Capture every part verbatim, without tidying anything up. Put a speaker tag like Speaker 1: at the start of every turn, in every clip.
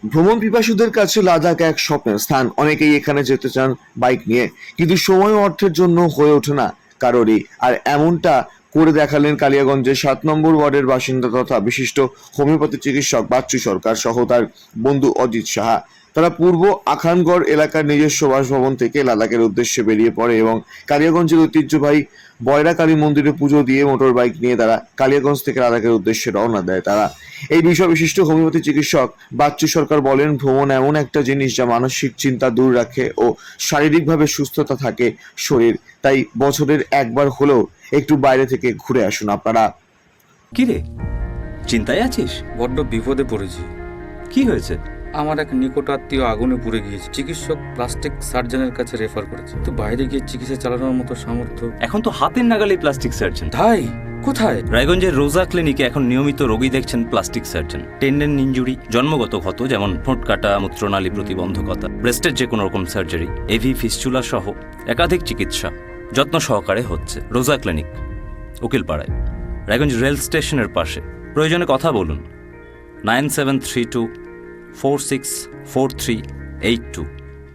Speaker 1: ভ্রমণ পিপাসুদের কাছে লাদাখ এক স্বপ্নের স্থান। অনেকেই এখানে যেতে চান বাইক নিয়ে, কিন্তু সময় ও অর্থের জন্য হয়ে ওঠে না কারোরই। আর এমনটা করে দেখালেন কালিয়াগঞ্জের সাত নম্বর ওয়ার্ডের বাসিন্দা তথা বিশিষ্ট হোমিওপ্যাথি চিকিৎসক বাচ্চু সরকার সহ তার বন্ধু অজিত সাহা। তারা পূর্ব আখানগড় এলাকার নিজস্ব বাসভবন থেকে লাদাখের উদ্দেশ্যে বেরিয়ে পড়ে এবং কালিয়াগঞ্জের ঐতিহ্যবাহী বয়রা কালী মন্দিরে পুজো দিয়ে মোটর বাইক নিয়ে তারা কালিয়াগঞ্জ থেকে লাদাখের উদ্দেশ্যে রওনা দেয়। তারা এই বিষয় বিশিষ্ট হোমিওপ্যাথি চিকিৎসক বাচ্চু সরকার বলেন, ভ্রমণ এমন একটা জিনিস যা মানসিক চিন্তা দূর রাখে ও শারীরিকভাবে সুস্থতা থাকে শরীর। তাই বছরের একবার হলেও একটু বাইরে থেকে ঘুরে আসুন আপনারা।
Speaker 2: কি রে, চিন্তায় আছিস?
Speaker 3: বড্ড বিপদে পড়েছি।
Speaker 2: কি হয়েছে?
Speaker 3: আমার এক নিকট আত্মীয় আগুনে পুড়ে গিয়েছে। চিকিৎসক প্লাস্টিক সার্জনের কাছে রেফার করেছে, তো বাইরে গিয়ে চিকিৎসা চালানোর মতো সামর্থ্য।
Speaker 2: এখন তো হাতের নাগালে প্লাস্টিক সার্জন।
Speaker 3: তাই? কোথায়?
Speaker 2: রায়গঞ্জের রোজা ক্লিনিকে এখন নিয়মিত রোগী দেখছেন প্লাস্টিক সার্জন। টেন্ডেন ইনজুরি, জন্মগত ক্ষত যেমন ঠোঁট কাটা, মূত্রনালী প্রতিবন্ধকতা, ব্রেস্টের যে কোনো রকম সার্জারি, এভি ফিস্চুলা সহ একাধিক চিকিৎসা যত্ন সহকারে হচ্ছে রোজা ক্লিনিক, উকিলপাড়ায়, রায়গঞ্জ রেল স্টেশনের পাশে। প্রয়োজনে কথা বলুন nine seven three two four six four three eight two.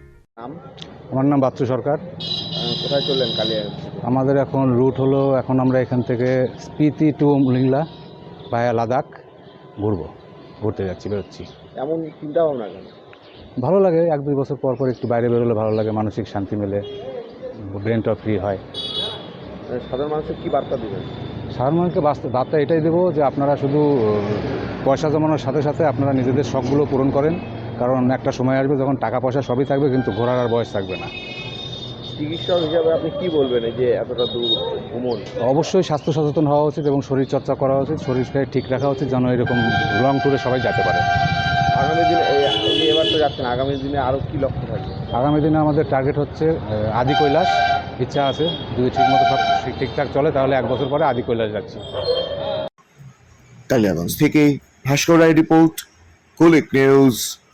Speaker 4: আমার নাম বাচ্চু সরকার।
Speaker 1: কোথায় চললেন কালিয়াগঞ্জ?
Speaker 4: আমাদের এখন রুট হলো, এখন আমরা এখান থেকে স্পিতি টু লিংলা ভায়া লাদাখ ঘুরবো, ঘুরতে যাচ্ছি, বেরোচ্ছি।
Speaker 1: এমন চিন্তা ভাবনা কেন?
Speaker 4: ভালো লাগে, এক দুই বছর পর পর একটু বাইরে বেরোলে ভালো লাগে, মানসিক শান্তি মেলে, ব্রেনটা ফ্রি হয়।
Speaker 1: সাধারণ মানুষের কি বার্তা দেবেন?
Speaker 4: সাধারণ মানুষকে বাস্তব বার্তা এটাই দেবো যে আপনারা শুধু পয়সা জমানোর সাথে সাথে আপনারা নিজেদের শখগুলো পূরণ করেন, কারণ একটা সময় আসবে যখন টাকা পয়সা সবই থাকবে কিন্তু ঘোরার আর বয়স থাকবে না।
Speaker 1: চিকিৎসক হিসাবে আপনি কি বলবেন এই যে এতটা দূর ভ্রমণ?
Speaker 4: অবশ্যই স্বাস্থ্য সচেতন হওয়া উচিত এবং শরীর চর্চা করা উচিত, শরীরকে ঠিক রাখা উচিত যেন এরকম লং ট্যুরে সবাই যেতে পারে।
Speaker 1: আগামী দিনে এবার তো যাচ্ছেন, আগামী দিনে আরও কি লক্ষ্য থাকবে?
Speaker 4: আগামী দিনে আমাদের টার্গেট হচ্ছে আদি কৈলাস, ইচ্ছা আছে যদি ঠিকমতো সব ঠিকঠাক চলে তাহলে এক বছর পরে আদি কৈলাস যাচ্ছি।
Speaker 1: কালিয়াগঞ্জ থেকে ভাস্কর রায় রিপোর্ট, কুলিক নিউজ।